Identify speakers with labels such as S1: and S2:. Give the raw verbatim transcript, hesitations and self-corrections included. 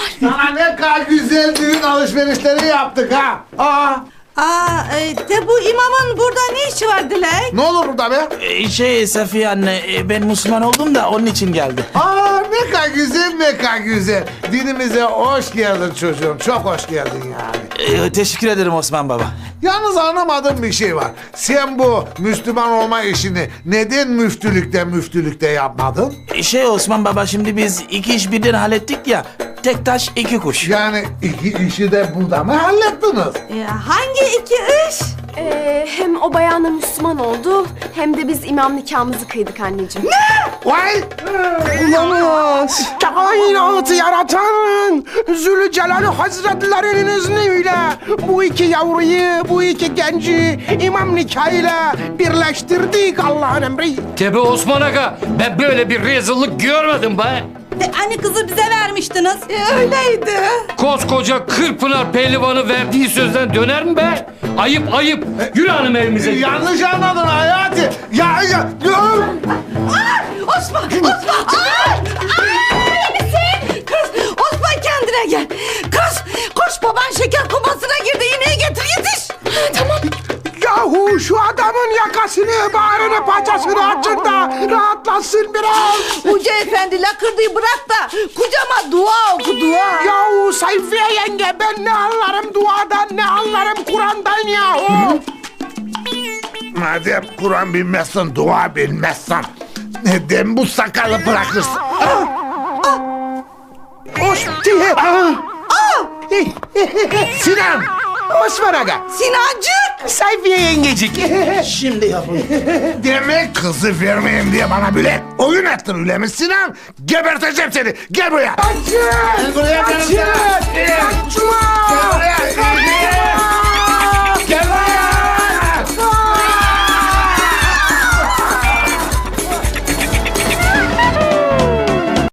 S1: Sana ne kadar güzel düğün alışverişleri yaptık ha. Aa,
S2: Aa, e, de bu imamın burada ne işi var Dilek?
S1: ne olur burada be?
S3: Ee, Şey Safiye anne, e, ben Müslüman oldum da onun için geldi.
S1: Aa, ne kadar güzel, ne kadar güzel. Dinimize hoş geldin çocuğum. Çok hoş geldin yani.
S3: Ee, teşekkür ederim Osman baba.
S1: Yalnız anlamadığım bir şey var. Sen bu Müslüman olma işini neden müftülükte müftülükte yapmadın?
S3: Ee, Şey Osman baba, şimdi biz iki iş birden hallettik ya. Tek taş iki kuş.
S1: Yani iki işi de burada mı hallettiniz?
S2: E, hangi iki iş?
S4: Ee, hem o bayanla Müslüman oldu hem de biz imam nikahımızı kıydık anneciğim.
S1: Vay!
S5: Olamaz. Kainatı yaratan Zülcelalü Hazretlerinin izniyle bu iki yavruyu, bu iki genci imam nikahıyla birleştirdik Allah'ın emri.
S6: Tebe Osman Aga, ben böyle bir rezillik görmedim be.
S2: De, anne kızı bize vermiştiniz. E, öyleydi.
S6: Koskoca Kırpınar pehlivanı verdiği sözden döner mi be? Ayıp ayıp. Yürü hanım evimize.
S1: Yanlış anladın Hayati. Ya, ya, dur!
S2: Osman, Osman! Ay! Ay! Misin? Kız, Osman kendine gel. Kız, koş baban şeker komasına girdi. İğneyi getir, yetiş. Tamam.
S5: Yahu şu adamın yakasını, bağrını, paçasını açın da rahatlasın biraz.
S2: Hoca efendi lakırdığı bırak da kucama dua oku dua.
S5: Yahu Sayfiye yenge, ben ne anlarım duadan, ne anlarım Kur'an'dan yahu.
S1: Madem Kur'an bilmezsen, dua bilmezsen neden bu sakalı bırakırsın?
S5: Hoş diye.
S1: Sinan!
S5: Osman Aga.
S2: Sinancık.
S5: Sayfiye yengecik.
S3: Şimdi yapın.
S1: Demek kızı vermeyeyim diye bana böyle oyun ettin öyle mi Sinan? Geberteceğim seni. Gel buraya.
S5: Açın!
S1: Gel buraya,
S5: Açın!
S1: gel buraya.
S5: Açma!